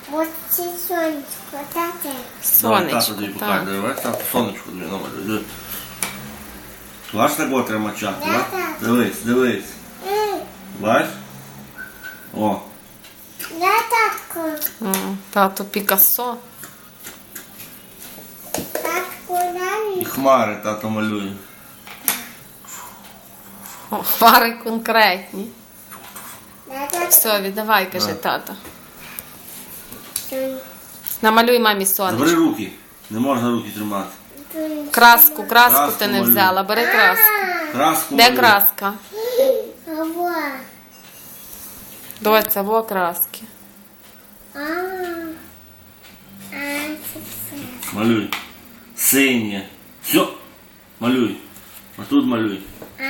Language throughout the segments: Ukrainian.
Вот це сонечко, тате. Давай, тато Сонечко, тобі так. покаже. Давай, тато, сонечко тобі намалює. Диви. Бач, такого треба мачати, Да, бач? так. Дивись, дивись. Бач? О, Я татку. Тато Пікассо. Татку і навіть. хмари тато малює. О, Хмари конкретні. Я татку. Все, віддавай, каже Да. тато. Намалюй мамі Забери сонечко. руки. Не можна руки тримати. Краску Краску ти не малюй. взяла. Бери краску. Краску Де малюй. краска? Ава. Доця, во краски. Це все. Малюй. Синє. Все. Малюй. А тут малюй.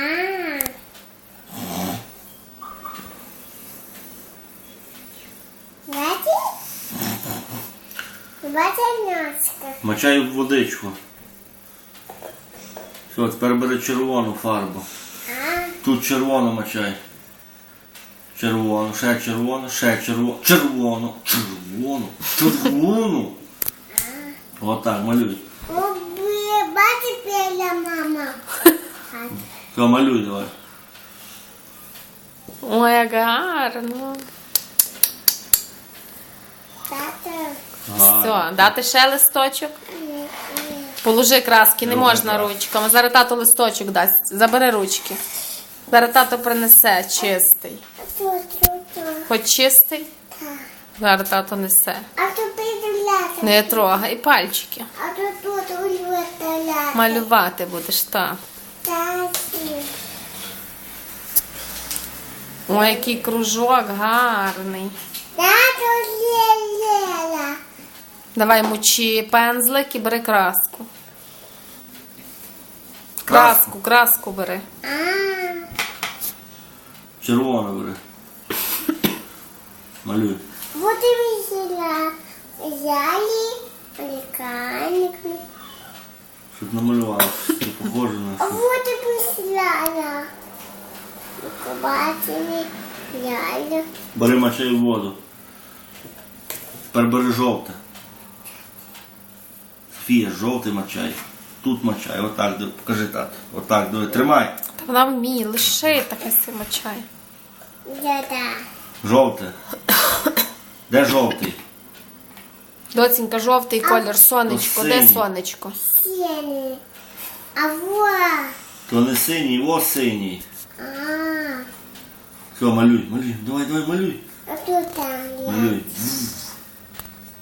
Бачиш носка? Мачай в водичку. Все, тепер бери червону фарбу. Тут червону мачай. Червону, ще червону, ще червону. Червону, червону, червону. Отак, малюй. Бачиш, пеля мама. Все, малюй давай. Ой, як гарно. Тата. Все, дати ще листочок. Положи краски, не Добре, можна так. ручками. Зараз тато листочок дасть. Забери ручки. Зараз тато принесе чистий. Тут. Хоч чистий, зараз тато несе. А тут придуляти. Не трогай пальчики. А тут улюбляти. Малювати будеш, так. Таті. Ой, який кружок гарний. Тату лєля. Давай мочи пензлик і бери краску. Краску. Краску бери. Червону бери. Малюй. Вот и весела. Взяли ликарник. Щоб намалювала. Не похоже на А що. вот и весела. Побачили. Взяли. Бери мачай в воду. Тепер бери жовте. Софія, жовтий мачай. Тут мачай. Отак, покажи тато. Отак, диви. Тримай. Та вона вміє, лиши таке си мочай. Да-да. Жовте. Де жовтий? Доцінька, жовтий колір, сонечко. Де синій. сонечко? Синий. А вот. То не синій, о синій. А. Все, малюй, малюй. Давай, давай, малюй. А тут там. Малюй.